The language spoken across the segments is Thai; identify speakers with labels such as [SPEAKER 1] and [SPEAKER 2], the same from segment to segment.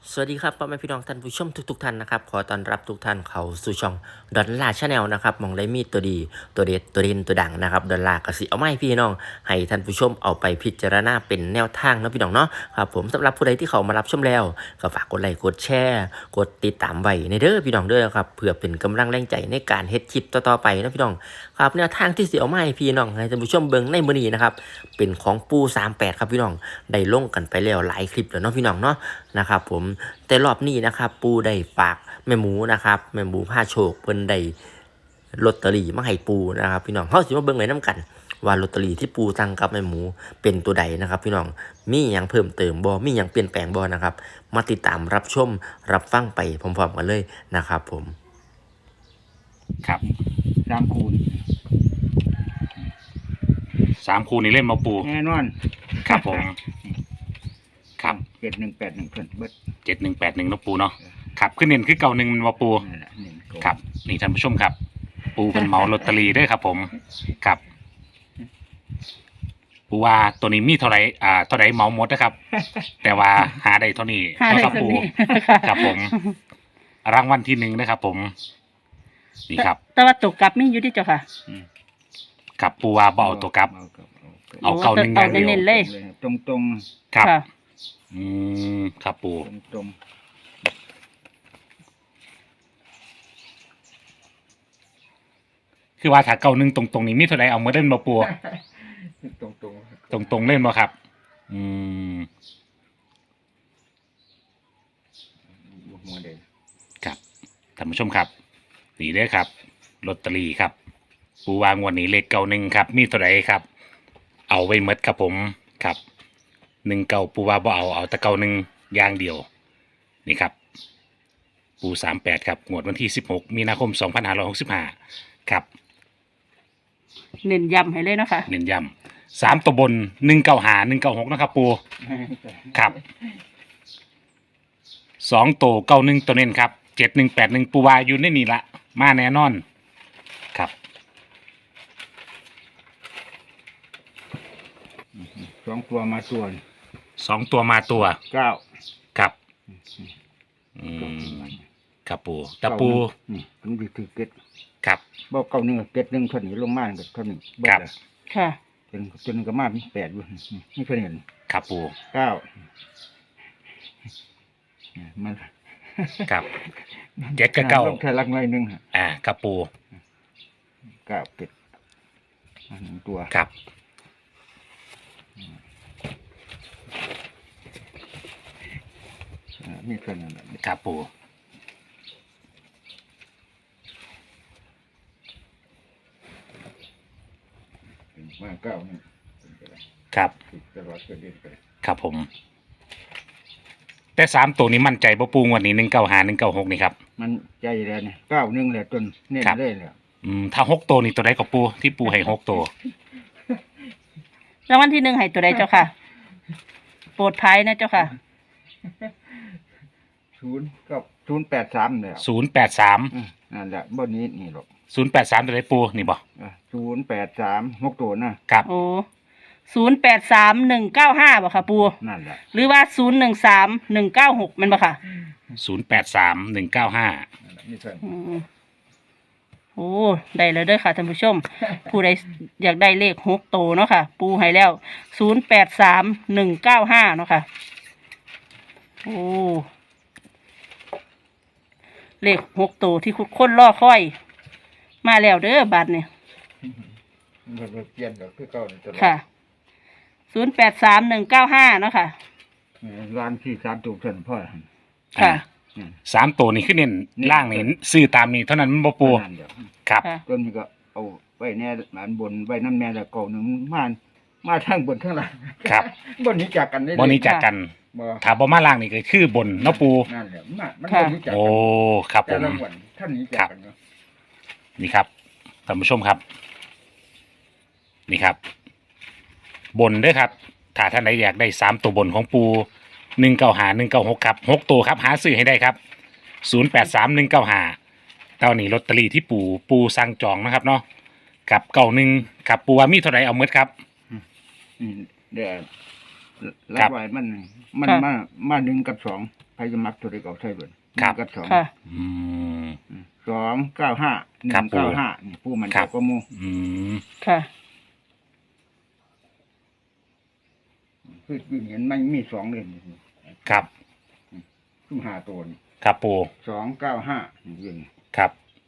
[SPEAKER 1] สวัสดีครับพ่อแม่พี่น้องท่านผู้ชมทุกท่านนะครับขอต้อนรับทุกท่านเข้าสู่ช่องดอลลาร์ชาแนลนะครับมองได้มีตัวดีตัวเด็ดตัวเด่นตัวดังนะครับดอลลาร์ก็สิเอาไม้พี่น้องให้ท่านผู้ชมเอาไปพิจารณาเป็นแนวทางนะพี่น้องเนาะครับผมสำหรับผู้ใดที่เขามารับชมแล้วก็ฝากกดไลค์กดแชร์กดติดตามไว้ในเด้อพี่น้องเด้อครับเพื่อเป็นกำลังแรงใจในการเฮ็ดคลิปต่อๆไปนะพี่น้องครับแนวทางที่สิเอาไม้พี่น้องให้ท่านผู้ชมเบิ่งในมื้อนี้นะครับเป็นของปู38ครับพี่น้องได้ลงกันไปแล้วหลายคลิปแล้วเนาะพี่น้องเนาะนะครับผมแต่รอบนี้นะครับปูได้ฝากแม่หมูนะครับแม่หมูผ้าโชคเพิ่นได้ลอตเตอรี่มาให้ปูนะครับพี่น้องเฮาสิมาเบิ่งไว้นํกันว่าลอตเตอรี่ที่ปูสั่งกับแม่หมูเป็นตัวใดนะครับพี่น้องมีหยังเพิ่มเติมบ่มีหยังเปลี่ยนแปลงบ่นะครับมาติดตามรับชมรับฟังไปพร้อมๆกันเลยนะครับผม
[SPEAKER 2] ครับ
[SPEAKER 3] 3 คูณ
[SPEAKER 2] 3 คูนี่เล่นมาปู
[SPEAKER 3] แน่นอน
[SPEAKER 2] ครับผมครับ
[SPEAKER 3] 7181เพิ่นเบิด
[SPEAKER 2] 7181นะปูเนาะครับขึ้นเน้นคือเก่า1มันมาปู
[SPEAKER 3] นั่นแหละ1
[SPEAKER 2] ครับนี่ท่านผู้ชมครับ ปูเป็นเหมาลอตเตอรี่ด้วยครับผมครับปูว่าตัวนี้มีเท่าไหร่เท่าไหร่เหมาหมดนะครับ แต่ว่าหาได้เท่านี้นะครับปูครับผมรางวัลที่1นะครับผมนี่ครับ
[SPEAKER 4] แต่ว่าตกกลับมีอยู่ที่เจ้าค่ะ
[SPEAKER 2] ครับปูว่าบ่เอาตัวกลับเอาเก่า1อย่างเดียว
[SPEAKER 4] เน้นๆเลย
[SPEAKER 3] ตรง
[SPEAKER 2] ครับ
[SPEAKER 4] ค่ะ
[SPEAKER 2] ครับปู
[SPEAKER 3] ตรง
[SPEAKER 2] คือว่าถ้าเก่า1ตรงๆนี้มีเท่าไหร่เอามาเล่นมาปู ตรงเล่นบ่ครับ
[SPEAKER 3] หัวเด่น
[SPEAKER 2] ครับท่านผู้ชมครับนี่เด้อครับลอตเตอรี่ครับปูวางวันนี้เลข91ครับมีเท่าไหร่ครับเอาไว้หมดครับผมครับ19ปูว่าบ่เอาแต่91อย่างเดียวนี่ครับปู38ครับงวดวันที่16มีนาคม2565ครับ
[SPEAKER 4] เน้นย้ำให้เลยเนาะค่ะ
[SPEAKER 2] เน้นย้ำ3ตัวบน195 196นะครับปูครับ2ตัว91ตัวเน้นครับ7181ปูว่าอยู่ในนี่ละมาแน่นอนครับ
[SPEAKER 3] 2 ตัวมาส่วน
[SPEAKER 2] 2ตัวมาตัว
[SPEAKER 3] 9
[SPEAKER 2] ครับครับปูตะปู
[SPEAKER 3] นี่มันสิถือเก็ด
[SPEAKER 2] ครับ
[SPEAKER 3] บ่91เก็ด1เท่านี้ลงมาก็เท่านี้เบิด
[SPEAKER 4] ค่ะ
[SPEAKER 3] จนก็มามี8อยู่นี่เท่านี้
[SPEAKER 2] ครับปู
[SPEAKER 3] 9มัน
[SPEAKER 2] ครับ7กับ9
[SPEAKER 3] ลงแค่ลักน้อยนึง
[SPEAKER 2] ครับปู
[SPEAKER 3] 9เก็ด1ตัว
[SPEAKER 2] ครับ
[SPEAKER 3] มีเท่านั้น
[SPEAKER 2] ครับปู
[SPEAKER 3] มา9นี่
[SPEAKER 2] ครับ
[SPEAKER 3] ตลอดก็เด่นไป
[SPEAKER 2] ครับผมแต่3ตัวนี้มั่นใจบ่ปูงวันนี้195 196นี่ครับ
[SPEAKER 3] มันใจแล้วนี่91แหละจนเน้นเลยแล้ว
[SPEAKER 2] ถ้า6ตัวนี่ตัวใดก็ปูที่ปูให้6ตัว
[SPEAKER 4] รางวัลที่1ให้ตัวใดเจ้าค่ะโปรดภัยนะเจ้าค่ะ
[SPEAKER 3] 0กับ083แล้ว
[SPEAKER 2] 083
[SPEAKER 3] นั่นแหละบ่นี้นี่หรอก
[SPEAKER 2] 083ตัวใดปูนี่บ่
[SPEAKER 3] 083 6ตัวนะครับ
[SPEAKER 4] โอ้083195บ่ค่ะปู
[SPEAKER 3] นั่นแหละ
[SPEAKER 4] หรือว่า013196มันบ่ค่ะ
[SPEAKER 2] 083195
[SPEAKER 3] นี่เพิ่น
[SPEAKER 4] โอ้ได้แล้วเด้อค่ะท่านผู้ชม ผู้ใดอยากได้เลข6ตัวเนาะค่ะปูให้แล้ว083195เนาะค่ะโอ้เลข6ตัวที่คนรอคอยมาแล้วเด้อบัดนี้
[SPEAKER 3] มันเปลี่ยนดอกคือเก่าตลอด
[SPEAKER 4] ค่ะ083195เนาะค่ะ
[SPEAKER 3] ร้านที่3ตัวเพิ่นพ่อ
[SPEAKER 4] ค่ะ
[SPEAKER 2] 3ตัวนี่คือเน้นล่างนี่ซื้อตามนี้เท่านั้นมันบ่ปูครับ
[SPEAKER 3] ต้นนี้ก็เอาไว้แน่หลานบนไว้น้ำแน่แล้วเก่านึงมาทางบนทางล่าง
[SPEAKER 2] ครับ
[SPEAKER 3] บนนี้จากกันได้
[SPEAKER 2] บ่นี้จากกันถ้าบ่มาล่างนี่ก็คือบนเนาะปู
[SPEAKER 3] นั่นแหละมันบ่นี้จากกัน
[SPEAKER 2] โอ้ครับผม
[SPEAKER 3] ท่านนี้จากกันเนาะ
[SPEAKER 2] นี่ครับท่านผู้ชมครับนี่ครับบนด้วยครับถ้าท่านใดอยากได้3ตัวบนของปู195 196ครับ6ตัวครับหาซื้อให้ได้ครับ083195ตอนนี้ลอตเตอรี่ที่ปูสั่งจองนะครับเนาะกับ91ครับปูว่ามีเท่าไหร่เอาหมดครับ
[SPEAKER 3] เดี๋ยวรักไว้มันมาหนึ่งกับสองใครจะมักตัวใดก็เอาใช่เบิดหนึ่งกับสอง
[SPEAKER 4] ค่ะ
[SPEAKER 2] อืม
[SPEAKER 3] 295
[SPEAKER 2] ครับปู่
[SPEAKER 3] 195นี่ผู้มัน
[SPEAKER 2] ครั
[SPEAKER 3] จะ
[SPEAKER 2] บ
[SPEAKER 3] ก็หมู่
[SPEAKER 2] อืม
[SPEAKER 4] ค่ะ
[SPEAKER 3] คือเห็นมันมี2เลยนี่
[SPEAKER 2] ครับ
[SPEAKER 3] ซุ่ม5ตัวนี่
[SPEAKER 2] ครับปู
[SPEAKER 3] 295นี่ยิง
[SPEAKER 2] ครับ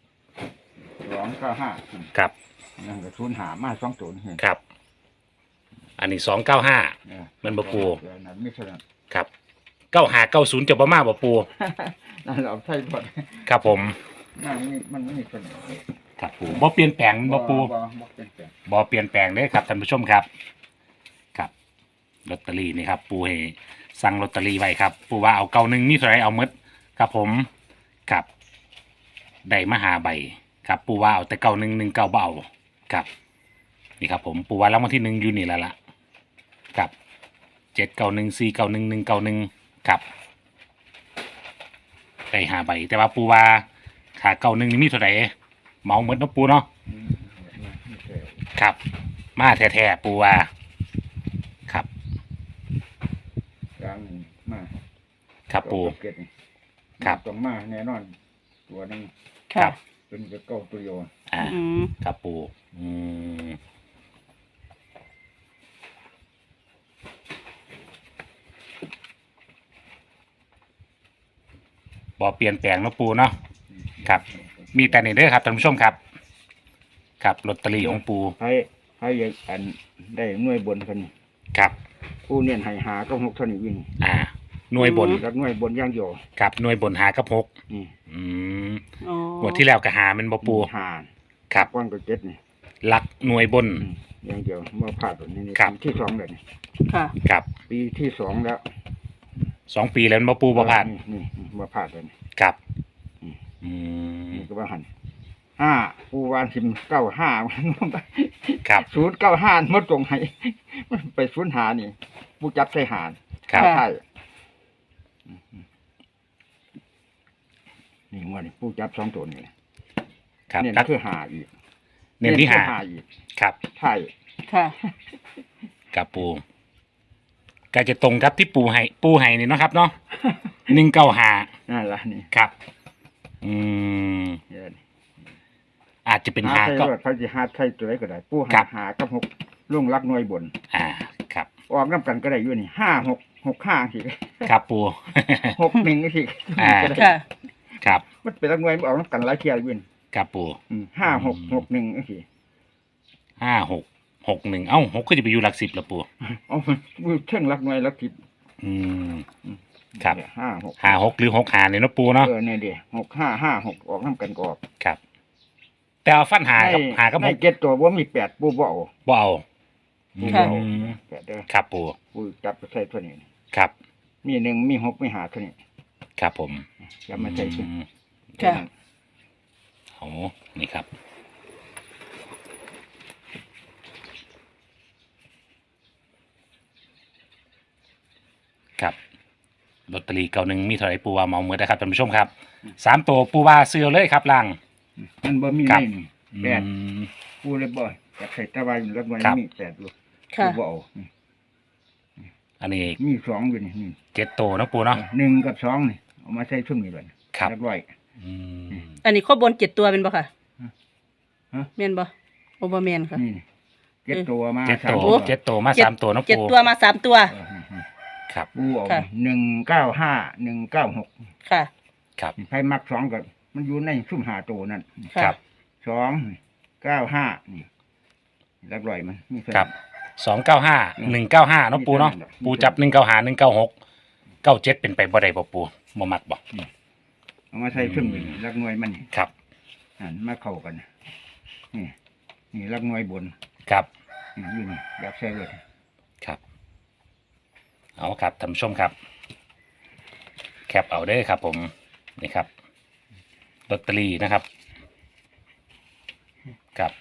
[SPEAKER 3] 295
[SPEAKER 2] ครับ
[SPEAKER 3] นั่นก็ศูนย์หามา2ตัวนี่
[SPEAKER 2] ครับ อันนี้295
[SPEAKER 3] เออ
[SPEAKER 2] มันบ่ปู่
[SPEAKER 3] เออนั่นไม่ใช่นั่น
[SPEAKER 2] ครับ9590จะบ่มาบ่ปู
[SPEAKER 3] นั่นเราใช่หมด
[SPEAKER 2] ครับผม
[SPEAKER 3] มันไม่มีคน
[SPEAKER 2] ครับปูบ่เปลี่ยนแปลงบ่ปู
[SPEAKER 3] บ่เป็นแปลง
[SPEAKER 2] บ่เปลี่ยนแปลงเลยครับท่านผู้ชมครับ ครับลอตเตอรี่นี่ครับ ปูให้สั่งลอตเตอรี่ไว้ครับ ปูว่าเอา91มีเท่าไหร่เอาหมดครับผมครับได้มาหาใบครับ ปูว่าเอาแต่9119บ่เอาครับ นี่ครับ ผมปูว่ารางวัลที่1อยู่นี่แล้วล่ะครับ791 491 191ครับได้หาใบแต่ว่าปูว่าขา91นี่มีเท่าไหร่เหมาหมดเนาะปูเนาะ
[SPEAKER 3] ไม่ใช่
[SPEAKER 2] ครับมาแท้ๆปูว่าครับ
[SPEAKER 3] กลางนี่มา
[SPEAKER 2] ครับปู
[SPEAKER 3] เก็ดนี่
[SPEAKER 2] ครับ
[SPEAKER 3] ต้องมาแน่นอน ตัวหนึง
[SPEAKER 2] ครั
[SPEAKER 4] ค่ะ
[SPEAKER 2] บ
[SPEAKER 3] เป็นจะเก้าตัวโย
[SPEAKER 2] อ่า
[SPEAKER 4] อืม
[SPEAKER 2] ครับปูบ่เปลี่ยนแปลงเนาะปูเนาะครับ มีแต่นี่เด้อครับท่านผู้ชมครับ ครับลอตเตอรี่ของปู
[SPEAKER 3] ให้อยากอันได้หน่วยบนคนนี้
[SPEAKER 2] ครับ
[SPEAKER 3] ผู้เนี่ยให้หาก็6เท่านี้วิ่ง
[SPEAKER 2] อ่า หน่วยบน
[SPEAKER 3] แล้วหน่วยบนอย่างเดียว
[SPEAKER 2] ครับหน่วยบนหากับหก
[SPEAKER 3] นี่
[SPEAKER 2] อืม
[SPEAKER 4] อ๋อ
[SPEAKER 2] งวดที่แล้วก็หามันบ่ปู
[SPEAKER 3] หา
[SPEAKER 2] ครับ
[SPEAKER 3] ก้อนก็เจ็ดนี่
[SPEAKER 2] หลักหน่วยบน
[SPEAKER 3] อย่างเดียวมาพลาดแบบนี้นี่
[SPEAKER 2] ครับ
[SPEAKER 3] ปีที่2แล้วนี่
[SPEAKER 4] ค่ะ
[SPEAKER 2] ครับ
[SPEAKER 3] ปีที่2แล้ว
[SPEAKER 2] 2 ปีแล้วบ่ปูบ่พลาด
[SPEAKER 3] นี่มาพลาดเลยนี่
[SPEAKER 2] ครับ
[SPEAKER 3] อืม
[SPEAKER 2] อืม
[SPEAKER 3] นี่ก็ว่าหัน5ปูวาน95มันลงไป
[SPEAKER 2] ครับ
[SPEAKER 3] 095มาตรงให้มันไป05นี่ผู้จับใส่หาร
[SPEAKER 2] ครับ
[SPEAKER 3] ใช่นี่งวดนี้ผู้จับ2ตัวนี่
[SPEAKER 2] ครับ
[SPEAKER 3] เนี่ย
[SPEAKER 2] ตัด
[SPEAKER 3] คือหาอีก
[SPEAKER 2] เน้นที่หา
[SPEAKER 3] คืออีก
[SPEAKER 2] ครับ
[SPEAKER 3] ใช่
[SPEAKER 4] ค่ะ
[SPEAKER 2] กับปูก็จะตรงกับที่ปูให้นี่เนาะครับเนาะ195
[SPEAKER 3] นั่นล่ะนี่
[SPEAKER 2] ครับ อืม
[SPEAKER 3] เดี๋ยวนี้
[SPEAKER 2] อาจจะเป็น
[SPEAKER 3] หา
[SPEAKER 2] หา
[SPEAKER 3] ใช่
[SPEAKER 2] ก็
[SPEAKER 3] รถเขาจะหาใช่ตัวไหนก็ได้ผู้
[SPEAKER 2] ครั
[SPEAKER 3] หา
[SPEAKER 2] บ
[SPEAKER 3] หากับ6ล่วงรักหน่วยบน
[SPEAKER 2] ครับ
[SPEAKER 3] ออกน้ำกันก็ได้อยู่นี่5 6 6 5สิ
[SPEAKER 2] ครับปู
[SPEAKER 3] 6 1สิ
[SPEAKER 2] อ่า
[SPEAKER 3] ก็ได้
[SPEAKER 4] ค่ะ
[SPEAKER 2] ครับ
[SPEAKER 3] มันเป็นรักหน่วยมันออกน้ำกันหลายเที่ยวอยู่นี่
[SPEAKER 2] ครับปู
[SPEAKER 3] 5 6 6 1สิ
[SPEAKER 2] 5661เอ้า6ก็จะไปอยู่หลัก10แล้วปู
[SPEAKER 3] เอามือเท่งรักหน่วยรักผิด
[SPEAKER 2] อืม ครับ
[SPEAKER 3] 5 6
[SPEAKER 2] 56หรือ65เนี่ยเนาะปูเนาะ
[SPEAKER 3] เนี่ยเดี๋ยว6 5 5 6ออกน้ำกันก็ออก
[SPEAKER 2] ครับ แต่เอาฟันหากับ
[SPEAKER 3] ในเจ็ดตัวว่ามี8ปูบ่เอา
[SPEAKER 2] บ่เอา
[SPEAKER 3] ปู
[SPEAKER 4] ค่ะ
[SPEAKER 3] บ่เอา
[SPEAKER 2] อืม
[SPEAKER 3] 8เด้อ
[SPEAKER 2] ครับปู
[SPEAKER 3] ปูจับไปใส่ตัวนี้
[SPEAKER 2] ครับ
[SPEAKER 3] มี1มี6มี5เท่านี้
[SPEAKER 2] ครับผม
[SPEAKER 3] จะมาใส่ขึ้น
[SPEAKER 4] ค่ะ
[SPEAKER 2] โอ้นี่ครับ ครับลอตเตอรี่91มีเท่าไหร่ปูว่าเหมาหมดนะครับท่านผู้ชมครับ3ตัวปูว่าซื้อเลยครับลัง
[SPEAKER 3] มันบ่มี
[SPEAKER 2] ครั
[SPEAKER 3] ใน
[SPEAKER 2] บ
[SPEAKER 3] นี่
[SPEAKER 2] อื
[SPEAKER 3] แปด
[SPEAKER 2] ม
[SPEAKER 3] ปูเลยบ่อยากใส่ตะวันรักหน่วย
[SPEAKER 2] ครับ
[SPEAKER 3] มี8อยู่
[SPEAKER 4] ค่ะ
[SPEAKER 3] ปูบ่เอา
[SPEAKER 2] อันนี้
[SPEAKER 3] มี2อยู่นี่
[SPEAKER 2] 7ตัวเนาะปูเนาะ
[SPEAKER 3] 1กับ2นี่เอามาใส่ชุดนี้เลย
[SPEAKER 2] ครับ
[SPEAKER 3] รักร้อย
[SPEAKER 2] อืม
[SPEAKER 4] อันนี้ข้อบน7ตัวเป็นบ่ค่ะ
[SPEAKER 3] ฮะ
[SPEAKER 4] แม่นบ่โอบ่แม่นค่ะ
[SPEAKER 3] นี่เจ็ดตัวมา
[SPEAKER 2] 7
[SPEAKER 3] สาม
[SPEAKER 2] ตัว
[SPEAKER 4] โอ้
[SPEAKER 2] 7ตัวมา3ตัวเนาะ
[SPEAKER 4] เจ็ด
[SPEAKER 2] ปู
[SPEAKER 4] ตัวมา3ตัว
[SPEAKER 3] เออนี่
[SPEAKER 2] ครับ
[SPEAKER 3] ปูเอา
[SPEAKER 4] ค่ะ
[SPEAKER 3] 195 196
[SPEAKER 4] ค่ะ
[SPEAKER 2] ครับ
[SPEAKER 3] ใครมัก2ก็มันอยู่ในซุ่ม5ตัวนั่น
[SPEAKER 2] ค
[SPEAKER 4] ค่ะ
[SPEAKER 2] รับ
[SPEAKER 3] 295นี่รักร้อยมันมีเท่า
[SPEAKER 2] ครับ
[SPEAKER 3] นั้น
[SPEAKER 2] 295 195เนาะปูเนาะปูจับ195 196 97เป็นไปบ่ได้บ่ปูบ่มักบ่
[SPEAKER 3] เอามาใส่ชุดนี้รักหน่วยมันนี่
[SPEAKER 2] ครับ
[SPEAKER 3] อันมาเข้ากันนี่นี่รักหน่วยบน
[SPEAKER 2] ครับ
[SPEAKER 3] นี่อยู่นี่อยากใส่เลย
[SPEAKER 2] ครับ เอาครับท่านผู้ชมครับ แคปเอาเด้อครับ ผมนี่ครับลอตเตอรี่นะครับครับ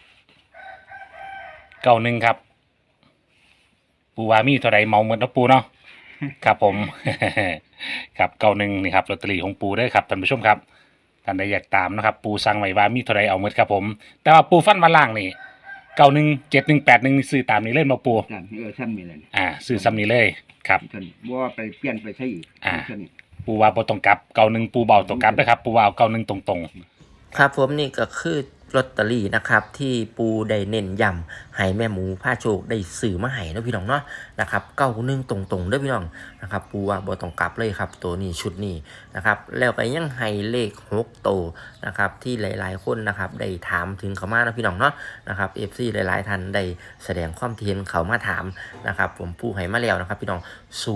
[SPEAKER 2] 91ครับ ปูวามีเท่าไรเมาหมดแล้วปูเนาะครับผม ครับ91นี่ครับลอตเตอรี่ของปูเด้อครับท่านผู้ชมครับท่านใดอยากตามนะครับ ปูสั่งไว้ว่ามีเท่าไรเอาหมดครับผม แต่ว่าปูฟันมาล่างนี่ 917181นี่ซื้อตามนี้เลยมาปู
[SPEAKER 3] นั่นซ้ำนี่แหละ
[SPEAKER 2] ซื้อซ้ำนี้เลยครับ
[SPEAKER 3] ท่านบ่ว่าไปเปลี่ยนไปใช้อีกท่าน
[SPEAKER 2] ปูว่าบ่ต้องกลับ91ปูเบาต้องกลับนะครับปูว่าเอา91ตรง
[SPEAKER 1] ครับผมนี่ก็คือลอตเตอรี่นะครับที่ปูได้เน้นย้ำให้แม่หมูผ้าโชคได้สื่อมาให้เนาะพี่น้องเนาะนะครับ91ตรงๆเด้อพี่น้องนะครับปูว่าบ่ต้องกลับเลยครับตัวนี้ชุดนี้นะครับแล้วก็ยังให้เลข6โตวนะครับที่หลายๆคนนะครับได้ถามถึงเขามาเนาะพี่น้องเนาะนะครับ FC หลายๆท่านได้แสดงความเห็นเขามาถามนะครับผมปูให้มาแล้วนะครับพี่น้อง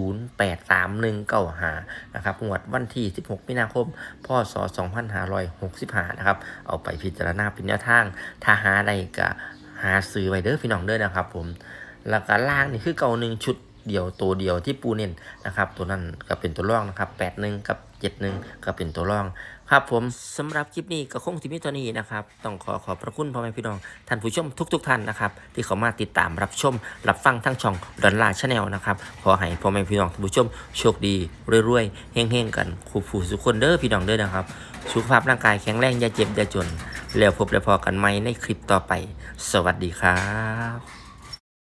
[SPEAKER 1] 083195นะครับงวดวันที่16มีนาคมพศ2565นะครับเอาไปพิจารณาเป็นแนวทางถ้าหาได้ก็หาซื้อไว้เด้อพี่น้องเด้อนะครับผมแล้วก็ล่างนี่คือเก่า1ชุดเดียวตัวเดียวที่ปูเน้นนะครับตัวนั้นก็เป็นตัวรองนะครับ81กับ71ก็เป็นตัวรองครับผมสำหรับคลิปนี้ก็คงที่มีตัวนี้นะครับต้องขอบพระคุณพ่อแม่พี่น้องท่านผู้ชมทุกท่านนะครับที่เข้ามาติดตามรับชมรับฟังทั้งช่องดอลลาร์ชาแนลนะครับขอให้พ่อแม่พี่น้องท่านผู้ชมโชคดีรวยๆเฮงๆกันคู่ผู้สุขคนเด้อพี่น้องเด้อนะครับสุขภาพร่างกายแข็งแรงอย่าเจ็บอย่าจนแล้วพบแล้วพอกันใหม่ในคลิปต่อไปสวัสดีครับ